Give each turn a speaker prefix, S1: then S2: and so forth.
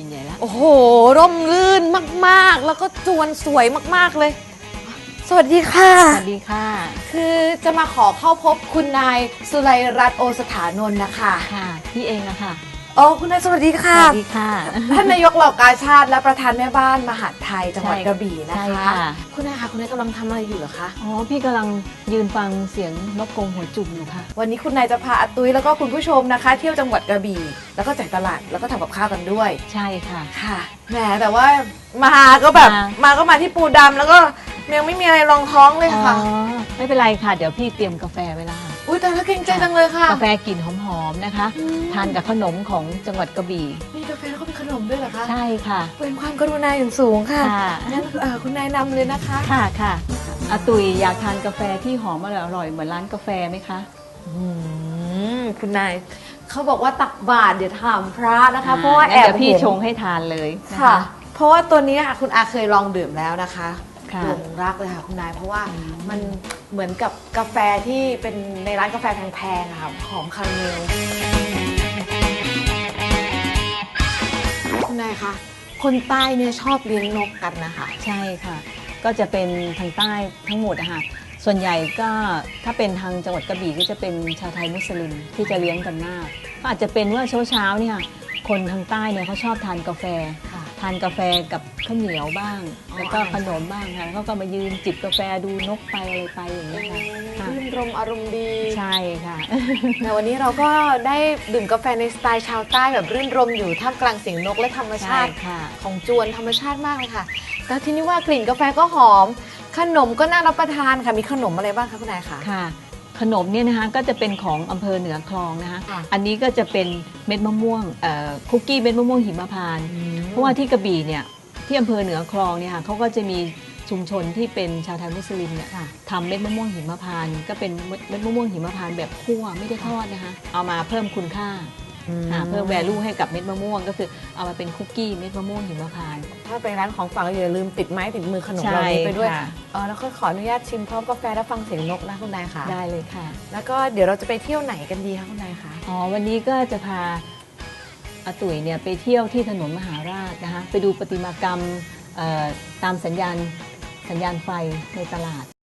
S1: กินใหญ่แล้ว
S2: โอ้โหร่มรื่นมากๆแล้วก็จวนสวยมากๆเลยสวัสดีค่ะ
S1: สวัสดีค่ะ
S2: คือจะมาขอเข้าพบคุณนายสุไลรัตน์โอสถานนท์นะคะ
S1: ค่ะพี่เองอะค่ะ
S2: อ๋อคุณนายสวัสดี
S1: ส
S2: ค่ะ
S1: วัสดีค่ะ
S2: ท่านนายกเหล่ากาชาติและประธานแม่บ้านมหาดไทยจังหวัดกระบี่นะ
S1: ใช่
S2: คะ
S1: ค่ะ
S2: คุณนายคะคุณนายกำลังทำอะไรอยู่เหรอคะ
S1: อ๋อพี่กำลังยืนฟังเสียงนกกรงหัวจุกอยู่ค่ะ
S2: วันนี้คุณนายจะพาอาตุ้ยแล้วก็คุณผู้ชมนะคะ เที่ยวจังหวัดกระบี่แล้วก็จ่ายตลาดแล้วก็ทำกับข้าวกันด้วย
S1: ใช่ค่ะ
S2: ค่ะแหมแต่ว่ามาก็แบบมาที่ปูดำแล้วก็ยังไม่มีอะไรรองท้องเลย
S1: อ๋อ
S2: ค่ะ
S1: ไม่เป็นไรค่ะเดี๋ยวพี่เตรียมกาแฟไว้แล้วค่ะ
S2: อุ้ยแต่ละเก่งใจจังเลยค่ะ
S1: กาแฟกลิ่นหอมๆนะคะ ทานกับขนมของจังหวัดกระบี่
S2: มีกาแฟแล้วก็มีขนมด้วยเหรอคะ
S1: ใช่ค่ะ
S2: เป็นความกรุณาอย่างสูงค่ะ
S1: ค่ะ
S2: งั้นคุณนายนำเลยนะคะ
S1: ค่ะค่ะอาตุยอยากทานกาแฟที่หอมอร่อยๆเหมือนร้านกาแฟไหมคะ
S2: คุณนายเขาบอกว่าตักบาตรเดี๋ยวถามพระนะคะ เพราะว่าแอ
S1: งั้น
S2: บ
S1: เดี๋ยวพี่
S2: เห็น
S1: ชงให้ทานเลยน
S2: ค่ะ เพราะว่าตัวนี้ค่ะคุณอาเคยลองดื่มแล้วนะคะ
S1: ค่ะ
S2: หลงรักเลยค่ะคุณนาย เพราะว่ามันเหมือนกับกาแฟที่เป็นในร้านกาแฟแพงๆอะค่ะหอมคาราเมลคุณนายคะคนใต้เนี่ยชอบเลี้ยงนกกันนะคะ
S1: ใช่ค่ะ ก็จะเป็นทางใต้ทั้งหมดอะค่ะส่วนใหญ่ก็ถ้าเป็นทางจังหวัดกระบี่ก็จะเป็นชาวไทยมุสลิมที่จะเลี้ยงกันมากก็อาจจะเป็นว่าเช้าเนี่ยคนทางใต้เนี่ยเขาชอบทานกาแฟ
S2: ค่ะ
S1: ทานกาแฟกับข้าวเหนียวบ้าง
S2: อ๋อ
S1: แล้วก็ขนมบ้างค่ะแล้วเขาก็มายืนจิบกาแฟดูนกไปอะไรไปอย่างนี้ยค่ะค่ะ
S2: รื่นรมอารมณ์ดี
S1: ใช่ค่ะ
S2: แต่วันนี้เราก็ได้ดื่มกาแฟในสไตล์ชาวใต้แบบรื่นรมอยู่ท่ามกลางเสียงนกและธรรมชาติ
S1: ใช่ค่ะ
S2: ของจวนธรรมชาติมากเลยค่ะแต่ทีนี้ว่ากลิ่นกาแฟก็หอม ขนมก็น่ารับประทานค่ะมีขนมอะไรบ้างคะคุณนายคะ
S1: ค่ะขนมเนี่ยนะคะก็จะเป็นของอำเภอเหนือคลองนะคะ
S2: ค่ะ
S1: อันนี้ก็จะเป็นเม็ดมะม่วงคุกกี้เม็ดมะม่วงหิมพานต์เพราะว่าที่กระบี่เนี่ยที่อำเภอเหนือคลองเนี่ยค่ะเขาก็จะมีชุมชนที่เป็นชาวไทยมุสลิมเนี่ย
S2: ค่ะ
S1: ทำเม็ดมะม่วงหิมพานต์ก็เป็นเม็ดมะม่วงหิมพานต์แบบคั่วไม่ได้ทอดนะคะเอามาเพิ่มคุณค่าเพิ่ม value ให้กับเม็ดมะม่วงก็คือเอามาเป็นคุกกี้เม็ดมะม่วงหิมพานต์
S2: ถ้าไปร้านของฝากอย่าลืมติดไม้ติดมือขนม
S1: ใช่
S2: เหล่านี้ไปด้วย
S1: ค่ะ
S2: แล้วก็ขออนุญาตชิมพร้อมกาแฟและฟังเสียงนกนะคุณนายค่ะ
S1: ได้เลยค่ะ
S2: แล้วก็เดี๋ยวเราจะไปเที่ยวไหนกันดีคะคุณนายคะ
S1: อ๋อวันนี้ก็จะพาอาตุ๋ยเนี่ยไปเที่ยวที่ถนนมหาราชนะคะไปดูประติมากรรมตามสัญญาณไฟในตลาด